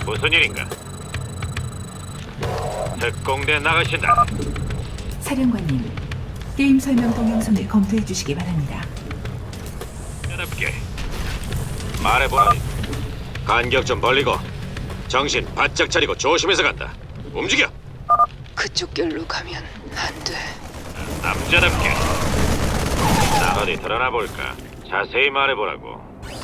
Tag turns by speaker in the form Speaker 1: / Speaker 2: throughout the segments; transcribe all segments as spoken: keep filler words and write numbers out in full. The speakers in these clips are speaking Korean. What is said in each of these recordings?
Speaker 1: 무슨 일인가? 특공대 나가신다.
Speaker 2: 사령관님, 게임 설명 동영상을 검토해 주시기 바랍니다.
Speaker 1: 여답게 말해보라니. 간격 좀 벌리고 정신 바짝 차리고 조심해서 간다. 움직여.
Speaker 3: 그쪽 길로 가면 안 돼.
Speaker 1: 남자답게. 나 어디 드러나 볼까? 자세히 말해보라고.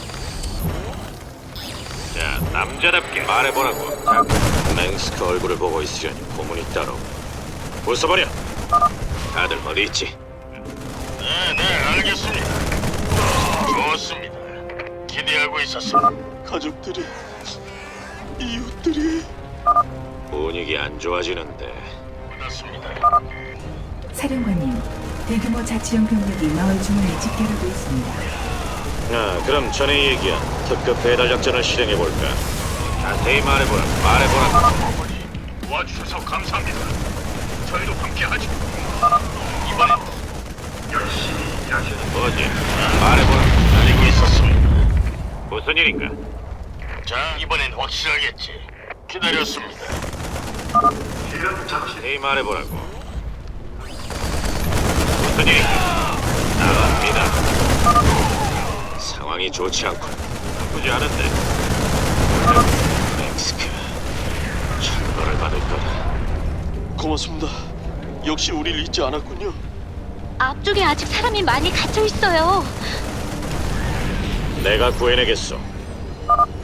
Speaker 1: 자, 남자답게 말해보라고. 자, 맹스크 얼굴을 보고 있으려니 고문이 따로. 웃어버려. 다들 어디 있지?
Speaker 4: 네, 네, 알겠습니다. 좋습니다. 기대하고 있었습니다. 가족들이, 이웃들이.
Speaker 1: 분위기 안 좋아지는데.
Speaker 4: 끝났습니다.
Speaker 2: 사령관님, 대규모 자치령 병력이 마을 중앙에 집결하고 있습니다.
Speaker 1: 아, 그럼 전에 얘기한 특급 배달 작전을 실행해 볼까? 자세히 말해보라. 말해보라.
Speaker 4: 어머니, 도와주셔서 감사합니다. 저희도 함께하죠. 이번엔 열심히 일하시는
Speaker 1: 뭐지? 말해보라.
Speaker 4: 알고 있었습니다.
Speaker 1: 무슨 일인가?
Speaker 4: 자, 이번엔 확실하겠지. 기다렸습니다.
Speaker 1: 자세히 말해보라고. 무슨 일인가? 나갑니다. 상황이 좋지 않군. 나쁘지 않은데. 맹스크. 천벌을 받을 거다.
Speaker 5: 고맙습니다. 역시 우릴 잊지 않았군요.
Speaker 6: 앞쪽에 아직 사람이 많이 갇혀 있어요.
Speaker 1: 내가 구해내겠어.